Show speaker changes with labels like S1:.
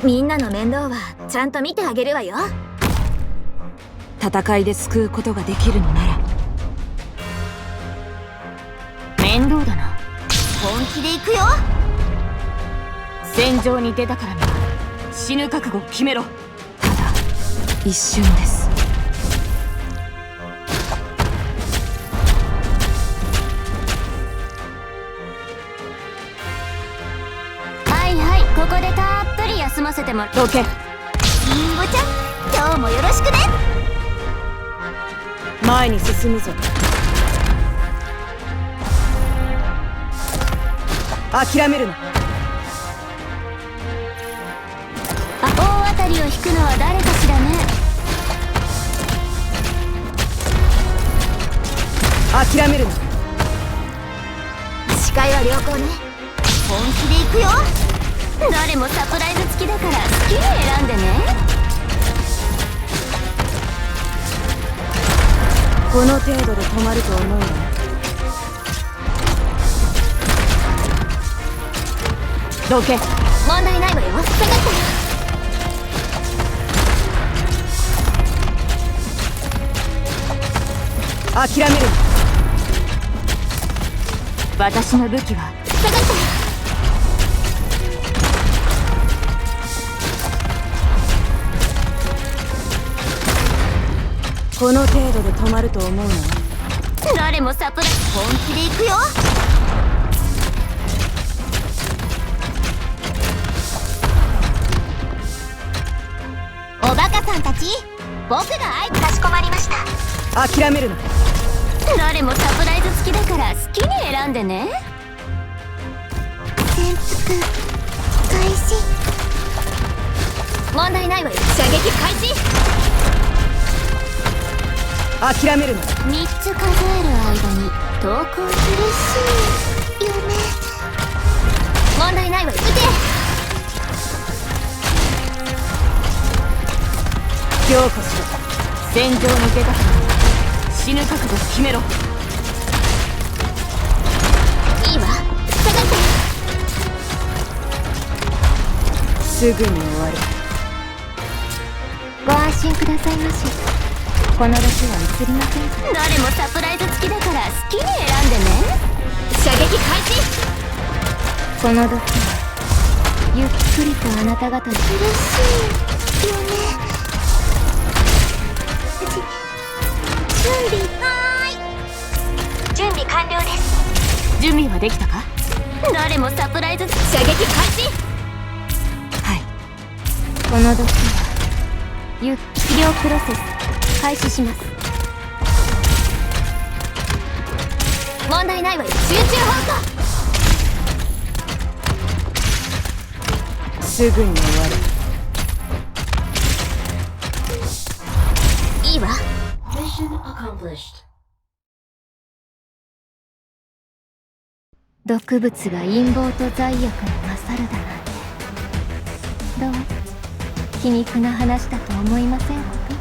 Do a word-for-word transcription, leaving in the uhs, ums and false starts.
S1: みんなの面倒はちゃんと見てあげるわよ。
S2: 戦いで救うことができるのなら。面倒だな。
S1: 本気で行くよ。
S2: 戦場に出たからには死ぬ覚悟を決めろ。ただ一瞬です。
S1: はいはい、ここでたっぷり休ませてもらう。
S2: どけ。
S1: りんごちゃん、今日もよろしくね。
S2: 前に進むぞ。諦めるな。
S1: あ、大当たりを引くのは誰かしらね。
S2: 諦めるな。
S1: 視界は良好ね。本気で行くよ。誰もサプライズ付きだから好きに選んでね。
S2: この程度で止まると思うな。どけ。
S1: 問題ないわよ。下がったよ。
S2: 諦めるな。私の武器は
S1: 下がったよ。
S2: この程度で止まると思うな。
S1: 誰もサプライズ。本気で行くよ。おバカさんたち、僕が相手。かしこまりました。
S2: 諦めるな。
S1: 誰もサプライズ付きだから好きに選んでね。潜伏開始。問題ないわよ。射撃開始。
S2: 諦めるな。
S1: みっつ数える間に投稿。苦しい夢。問題ないわよ。撃て。
S2: 今日こそ戦場に出たから死ぬ覚悟を決めろ。
S1: いいわ。下がって。
S2: すぐに終わる。
S1: ご安心くださいまし。この時は映りませんから。誰もサプライズ付きだから好きに選んでね。射撃開始。この時はゆっくりとあなた方に。苦しい夢。準備。はーい、準備完了です。
S2: 準備はできたか。
S1: 誰もサプライズ。射撃開始。
S2: はい。
S1: この時はゆっ治療プロセス開始します。問題ないわよ。集中放送。
S2: すぐに終わる。
S1: いいわ。毒物が陰謀と罪悪に勝るだなんて、どう皮肉な話だと思いませんこと。